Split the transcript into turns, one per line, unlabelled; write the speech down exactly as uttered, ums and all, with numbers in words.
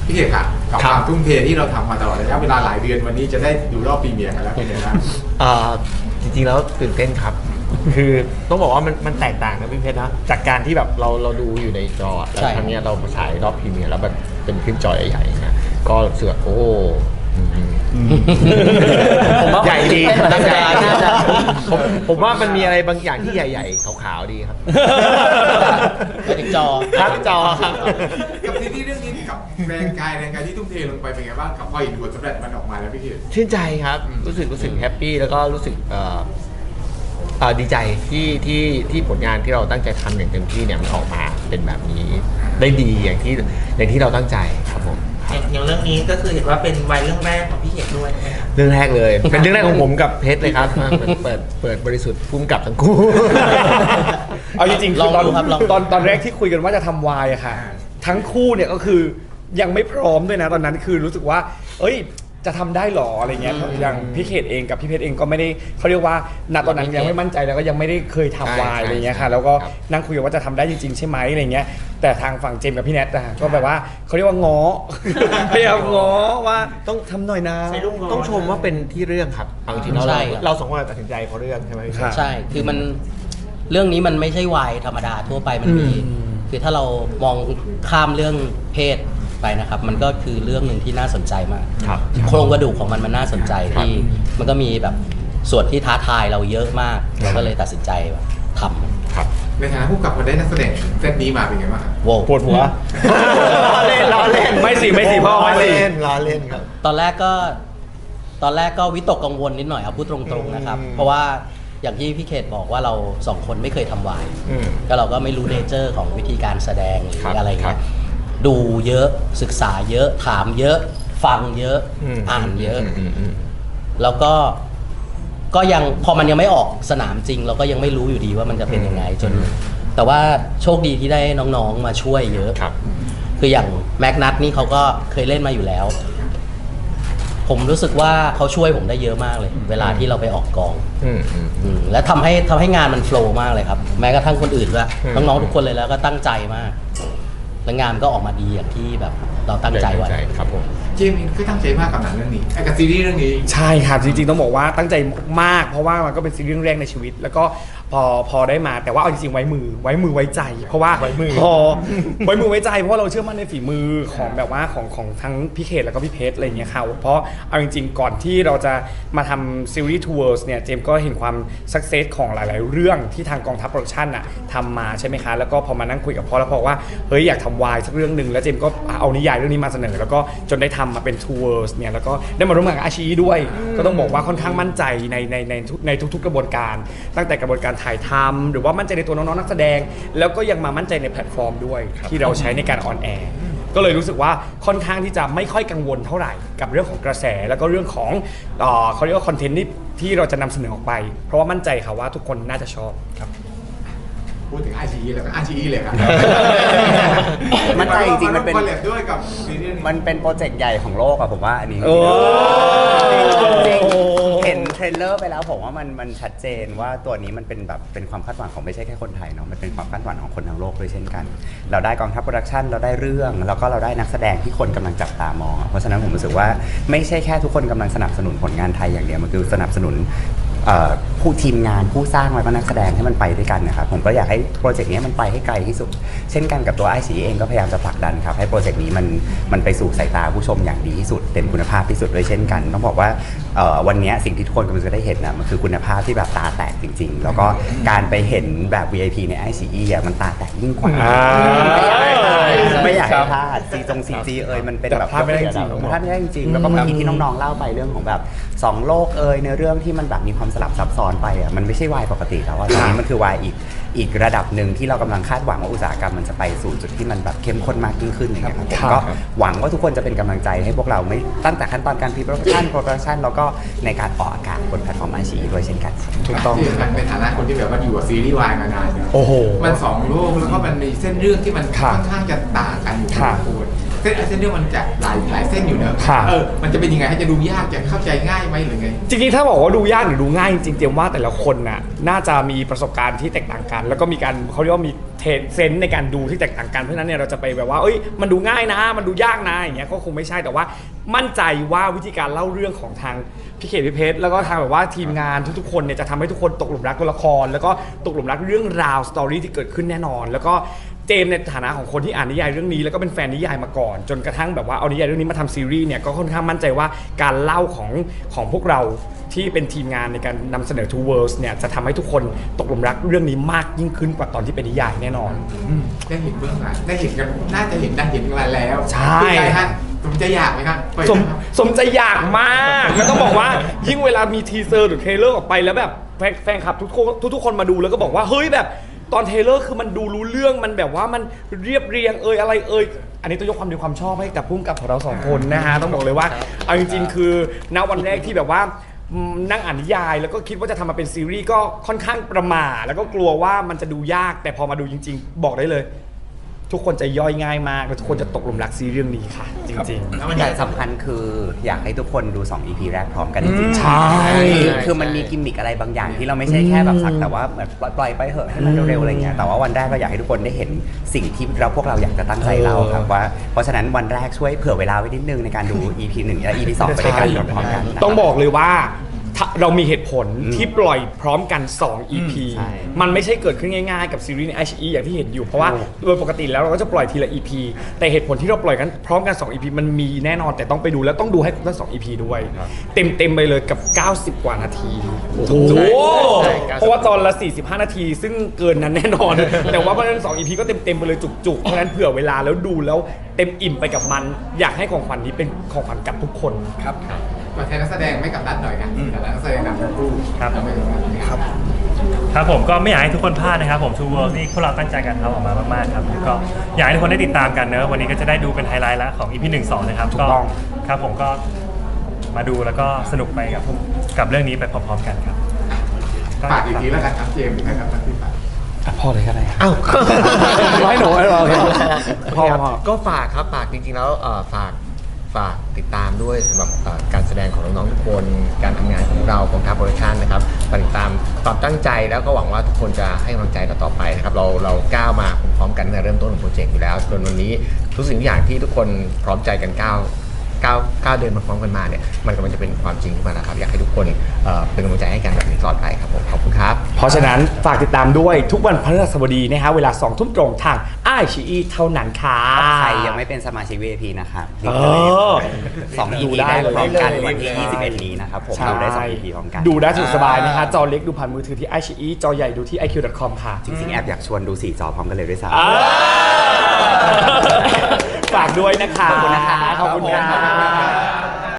พี่เอกค่ะกับความทุ่มเทที่เราทำมาตลอดระยะเวลาหลายเดือนวันนี้จะได้ดูรอบพรีเมียร์กันแล้วเป็นยังไงบ้าง
อ่าจริงๆแล้วตื่นเต้นครับคือต้องบอกว่ามันมันแตกต่างนะพี่เพชรนะจากการที่แบบเราเราดูอยู่ในจอแล้วครั้งนี้เรามาฉายรอบพรีเมียร์แล้วแบบเป็นคลิปจอใหญ่ๆนะก็รู้สึกโอ้ผมว่าใหญ่ดีน่าจะน่าจะผมผมว่ามันมีอะไรบางอย่างที่ใหญ่ๆขาวๆดีครับ
ไปถึงจอ
ครับจอครับ
กับซีรีส์เรื่องนี้กับแรงกายแรงกายที่ทุ่มเทลงไปเป็นไงบ้างกับพอเห็นผลสำเร็จมันออกมาแล้วพี่เอก
ชื่นใจครับรู้สึกรู้สึกแฮปปี้แล้วก็รู้สึกเอ่อดีใจที่ที่ที่ผลงานที่เราตั้งใจทำอย่างเต็มที่เนี่ยมันออกมาเป็นแบบนี้ได้ดีอย่างที่อย่างที่เราตั้งใจครับผม
อย่างเรื่องนี้ก็คือเห็นว่าเป็นวัยเรื่องแรกของพี่เอกด้วย
เรื่องแรกเลยเป็นเรื่องแรกของผมกับเพชรเลยครับเปิดเปิดบริสุทธิ์พุ่มกับทั้งคู่
เอาจริงๆตอนตอนตอนแรกที่คุยกันว่าจะทำวายอะค่ะทั้งคู่เนี่ยก็คือยังไม่พร้อมด้วยนะตอนนั้นคือรู้สึกว่าเอ้ยจะทำได้หรออะไรเงี้ยอย่างพี่เขตเองกับพี่เพชรเองก็ไม่ได้เขาเรียกว่าณตอนนั้นยังไม่มั่นใจแล้วก็ยังไม่ได้เคยทำวายอะไรเงี้ยค่ะแล้วก็นั่งคุยกันว่าจะทำได้จริงๆใช่ไหมอะไรเงี้ยแต่ทางฝั่งเจมส์กับพี่แนทอะก็แบบว่าเขาเรียกว่าง้อพยายามง้อว่าต้องทำหน่อยนะ
ต้องชมว่าเป็นที่เรื่องครับเอาจริงเราเราสองคนตัดสินใจเพราะเรื่องใช่ไหม
ใช่คือมันเรื่องนี้มันไม่ใช่วายธรรมดาทั่วไปมันมีคือถ้าเรามองข้ามเรื่องเพศไปนะครับมันก็คือเรื่องหนึ่งที่น่าสนใจมากโครงกระดูกของมันมันน่าสนใจที่มันก็มีแบบส่วนที่ท้าทายเราเยอะมากเราก็เลยตัดสินใจแบบทำ
ครับในฐานะผู้กำกับมาได้นักแสดงเซตนี้มาเป็นไงบ้าง
โว้
ปวดหัว
ล้อเล่นล้อเล่น
ไม่สิไม่สิพ่อไม่สิ
ล้อเล่นครับ
ตอนแรกก็ตอนแรกก็วิตกกังวลนิดหน่อยเอาพูดตรงๆนะครับเพราะว่าอย่างที่พี่เขตบอกว่าเราสองคนไม่เคยทำวายก็เราก็ไม่รู้เนเจอร์ของวิธีการแสดงหรืออะไรเงี้ยดูเยอะศึกษาเยอะถามเยอะฟังเยอะอ่านเยอะแล้วก็ก็ยังพอมันยังไม่ออกสนามจริงเราก็ยังไม่รู้อยู่ดีว่ามันจะเป็นยังไงจนแต่ว่าโชคดีที่ได้น้องๆมาช่วยเยอะคืออย่างแม็กนัทนี่เขาก็เคยเล่นมาอยู่แล้วผมรู้สึกว่าเขาช่วยผมได้เยอะมากเลยเวลาที่เราไปออกกองและทำให้ทำให้งานมันโฟล์มากเลยครับแม้กระทั่งคนอื่นด้วยน้องๆทุกคนเลยแล้วก็ตั้งใจมากและงานก็ออกมาดีอย่างที่แบบเราตั้งใจไว้
ครับผม
เจมส์ก็ตั้งใจมากกับหนังเรื่องนี้ไอ้กับซีรีส์เรื่องนี้
ใช่ครับจริงๆต้องบอกว่าตั้งใจมากเพราะว่ามันก็เป็นซีรีส์เรื่องแรกในชีวิตแล้วก็พอพอได้มาแต่ว่าเอาจริงๆไว้มือไว้มือไว้ใจ เพราะว่าพอไว้มือไว้ใจเพราะเราเชื่อมั่นในฝีมือของแบบว่าของของทั้งพี่เขตแล้วก็พี่เพชรอะไรอย่างเงี้ยค่ะเพราะเอาจริงๆก่อนที่เราจะมาทำซีรีส์ทัวร์เนี่ยเจมส์ก็เห็นความสักเซสของหลายๆเรื่องที่ทางกองทัพโปรดักชั่นอะทำมาใช่ไหมคะแล้วก็พอมานั่งคุยกับพ่อแล้วบอกว่าเฮ้ยอยากทำวายสักเรื่องหนึ่งแล้วเจมส์ก็เอานิยายเรื่องนี้มาเสนอแล้วก็จนได้ทำมาเป็นทัวร์เนี่ยแล้วก็ได้มาร่วมงานกับอาชีด้วยก็ต้องบอกว่าค่อนข้างมั่นใจในในในในทุกๆกระบวนการตั้งแต่กระบวนการถ่ายทำหรือว่ามั่นใจในตัวน้องๆนักแสดงแล้วก็ยังมามั่นใจในแพลตฟอร์มด้วยที่เราใช้ในการออนแอร์ก็เลยรู้สึกว่าค่อนข้างที่จะไม่ค่อยกังวลเท่าไหร่กับเรื่องของกระแสแล้วก็เรื่องของเอ่อเขาเรียกว่าคอนเทนต์ที่ที่เราจะนำเสนอออกไปเพราะว่ามั่นใจค่ะว่าทุกคนน่าจะชอบครับ
พูดถึงอาชีแล้วก็อาชีเลยครับ
มันใจจริงๆมันเป็น
ด้วยกับ
มันเป็นโปรเจกต์ใหญ่ของโลกอะผมว่าอันนี้จริงเห็นเทรลเลอร์ไปแล้วผมว่ามันมันชัดเจนว่าตัวนี้มันเป็นแบบเป็นความคาดหวังของไม่ใช่แค่คนไทยเนาะมันเป็นความคาดหวังของคนทั้งโลกด้วยเช่นกันเราได้กองทัพโปรดักชั่นเราได้เรื่องแล้วก็เราได้นักแสดงที่คนกำลังจับตามองเพราะฉะนั้นผมรู้สึกว่าไม่ใช่แค่ทุกคนกำลังสนับสนุนผลงานไทยอย่างเดียวมันคือสนับสนุนผู้ทีมงานผู้สร้างแล้วก็นักแสดงให้มันไปด้วยกันนะครับผมก็อยากให้โปรเจกต์นี้มันไปให้ไกลที่สุดเช่นกันกับตัวไอซีเองก็พยายามจะผลักดันครับให้โปรเจกต์นี้มันมันไปสู่สายตาผู้ชมอย่างดีที่สุดเต็มคุณภาพที่สุดด้วยเช่นกันต้องบอกว่าวันนี้สิ่งที่ทุกคนกำลังจะได้เห็นนะมันคือคุณภาพที่แบบตาแตกจริงๆแล้วก็การไปเห็นแบบ วี ไอ พี ใน ไอ ซี อี อ่ะมันตาแตกยิ่งกว่าไม่อยากให้พลาดซีจงซีจีเอ่ยมันเป็นแบบภาพไม่ได้จริงภาพไม่ได้จริงแล้วก็เมื่อกี้ที่น้องๆเล่าไปเรื่องของแบบสองโลกเอ่ยในเรื่องที่มันแบบมีความสลับซับซ้อนไปอ่ะมันไม่ใช่วายปกติแล้วอ่ะตอนนี้มันคือวายอีกอีกระดับหนึ่งที่เรากำลังคาดหวังว่าอุตสาหกรรมมันจะไปสู่จุดที่มันแบบเข้มข้นมากยิ่งขึ้นอย่างเงี้ยครับผมก็หวังว่าทุกคนจะเป็นกำลังใจให้พวกเราไม่ตั้งแต่ขั้นตอนการพรีโปรดักชั่นโปรดักชั่นแล้วก็ในการออกอากาศบนแพลตฟอร์มไอชีด้วยเช่นกัน
ถูกต้องในฐานะคนที่แบบว่าอยู่กับซีรีส์วายมานาน
โอ้โห
มันสองโลกแล้วก็มันมีเส้นเรื่องที่มันค่อนข้างจะต่างกันอยู่พอสมควรเส้นเส้นเรื่องมันจะหลายหลายเส้นอยู่เนอะ
ครับ
เออมันจะเป็นยังไงให้จะดูยากจะเข้าใจง่ายไหมหรือไง
จริงๆ ถ้าบอกว่าดูยากหรือดูง่ายจริงๆเตรียมว่าแต่ละคนน่ะน่าจะมีประสบการณ์ที่แตกต่างกัน แล้วก็มีการเขาเรียกว่ามีเทรนเซนส์ในการดูที่แตกต่างกันเพราะฉะนั้นเนี่ยเราจะไปแบบว่าเอ้ยมันดูง่ายนะ มันดูยากนะอย่างเงี้ยก็คงไม่ใช่แต่ว่ามั่นใจว่าวิธีการเล่าเรื่องของทางพี่เขตพี่เพชรแล้วก็ทางแบบว่าทีมงานทุกๆคนเนี่ยจะทำให้ทุกคนตกหลุมรักตัวละคร แล้วก็ตกหลุมรักเรื่องราวสตอรี่ที่เกิดขึ้นแน่นอน แล้วก็เจมส์ในฐานะของคนที่อ่านนิยายเรื่องนี้แล้วก็เป็นแฟนนิยายมาก่อน จนกระทั่งแบบว่าเอานิยายเรื่องนี้มาทำซีรีส์เนี่ยก็ค่อนข้างมั่นใจว่าการเล่าของของพวกเราที่เป็นทีมงานในการนำเสนอ Two Worlds เนี่ยจะทำให้ทุกคนตกหลุมรักเรื่องนี้มากยิ่งขึ้นกว่าตอนที่เป็นนิยายแน่นอน
อืมได้เห็นเบื้องหลังได้เห็นกันน่าจะเห็นได้เห็นกันแล้ว
ใช่
เป็นไงฮะสมใจอยากไหมครับเปิด
สม
นะครับ
สมใจอยากมากแล้วต้องบอกว่ายิ่งเวลามีทีเซอร์หรือเทรลเลอร์ออกไปแล้วแบบแฟนแฟนคลับทุกคนทุกๆคนมาดูแล้วก็บอกว่าเฮ้ยแบบตอนเทรลเลอร์คือมันดูรู้เรื่องมันแบบว่ามันเรียบเรียงเอยอะไรเอยอันนี้ต้องยกความดีความชอบให้กับพุ่มกับของเราสองคนนะฮะต้องบอกเลยว่าเอาจริงๆคือณวันแรกที่แบบว่าอืมนั่งอ่านนิยายแล้วก็คิดว่าจะทำมาเป็นซีรีส์ก็ค่อนข้างประหม่าแล้วก็กลัวว่ามันจะดูยากแต่พอมาดูจริง ๆ บอกได้เลย ทุกคนจะย่อยง่ายมากและทุกคนจะตกหลุมรักซีรีส์เรื่องนี้ค่ะ จริง
แล้วมัน
อย่างสำคัญคืออยากให้ทุกคนดู สอง อี พี แรกพร้อมกันจริงๆ
ใช่
คือคือมันมีกิมมิคอะไรบางอย่างที่เราไม่ใช่แค่แบบสักแต่ว่าเหมือนปล่อยไปเหอะให้มันเร็วๆอะไรเงี้ยแต่ว่าวันแรกเราอยากให้ทุกคนได้เห็นสิ่งที่เราพวกเราอยากจะตั้งใจเล่าครับว่าเพราะฉะนั้นวันแรกช่วยเผื่อเวลาไว้นิดนึงในการดู อี พี หนึ่งและ อี พี สองไปด้วยกันพร้อมๆกันนะครับ
ต้องบอกเลยว่าถ้าเรามีเหตุผล
อืม
ที่ปล่อยพร้อมกัน สอง อี พี
ใช่
มันไม่ใช่เกิดขึ้นง่ายๆกับซีรีส์ใน ไอ ชี อี อย่างที่เห็นอยู่ เพราะว่าโดยปกติแล้วเราก็จะปล่อยทีละ อี พี แต่เหตุผลที่เราปล่อยกันพร้อมกัน สอง อี พี มันมีแน่นอนแต่ต้องไปดูแล้วต้องดูให้ครบทั้งสอง อี พี ด้วย เต็มๆไปเลยกับ เก้าสิบ กว่านาที โอ้โห
ใช่เก้าสิบ
เพราะว่าตอนละ สี่สิบห้า นาที ซึ่งเกินนั้นแน่นอน แต่ว่าเพราะฉะนั้นสอง อี พี ก็เต็มๆไปเลยจุกๆเพราะฉะนั้นเผื่อเวลาแล้วดูแล้วเต็มอิ่มไปกับมัน อยากให้ของขวัญนี้เป็นของขวัญกับทุกคนครับ
ตัวแทนนักแสดงไม่กับนัดหน่อยนะแต่ละนักแสดงนำทั้งคู่
ครับ
ทำไมถึงแบบนี้ครับ
ครับผมก็ไม่อยากให้ทุกคนพลาดนะครับผม Two Worlds นี่พวกเราตั้งใจกันทำออกมามากๆครับแล้วก็อยากให้ทุกคนได้ติดตามกันเนอะวันนี้ก็จะได้ดูเป็นไฮไลท์แล้วของ อี พี หนึ่ง สองนะครับ
ถูก
ก็
ต้อง
ครับผมก็มาดูแล้วก็สนุกไปกับกับเรื่องนี้ไปพร้อมๆกันครับ
ฝากอีกทีแล้วกันครับเจมส์ถึงนะครับที่ฝาก
พอเลยก็ได้ครับ
อ้าว
ให้หนูให้หนูโอเคพอพอ
ก็ฝากครับฝากจริงๆแล้วเอ่อฝากฝากติดตามด้วยสำหรับเอ่อการแสดงของน้องๆทุกคนการทำงานของเราของทางโปรดักชันนะครับฝากติดตามความตั้งใจแล้วก็หวังว่าทุกคนจะให้กำลังใจเราต่อไปนะครับเราเราก้าวมาพร้อมๆกันในเริ่มต้นของโปรเจกต์อยู่แล้วจนวันนี้ทุกสิ่งทุกอย่างที่ทุกคนพร้อมใจกันก้าวก้าวก้าวเดินมาพร้อมกันมาเนี่ยมันกำลังจะเป็นความจริงขึ้นมาแล้วครับอยากให้ทุกคนเอ่อเป็นกำลังใจให้กันแบบนี้ตลอดไปครับผมขอบคุณครับ
เพราะฉะนั้นฝากติดตามด้วยทุกวันพฤหัสบดีนะฮะเวลาสองทุ่มตรงทาง ไอ ชี อี เท่านั้นค่ะ
ใครยังไม่เป็นสมาชิก วี ไอ พี นะครับ
เออ
สอง อี
ดู
พี
ได้
ได้
เลย
พร้อมกัน
ได้เลย
วันที่ ยี่สิบเอ็ด นี้นะครับผมดูได้สอง อี พี พร้อมกัน
ดูได้สะดวกสบายนะฮะจอเล็กดูผ่านมือถือที่ ไอ ชี อี จอใหญ่ดูที่ ไอ คิว ดอท คอม ค่ะ
จริงๆแอบอยากชวนดูสี่จอพร้อมกันเลยด้วยซ้ำ
อ่าฝากด้วยนะคะ
ขอบคุณนะคะ
ขอบคุณค่ะ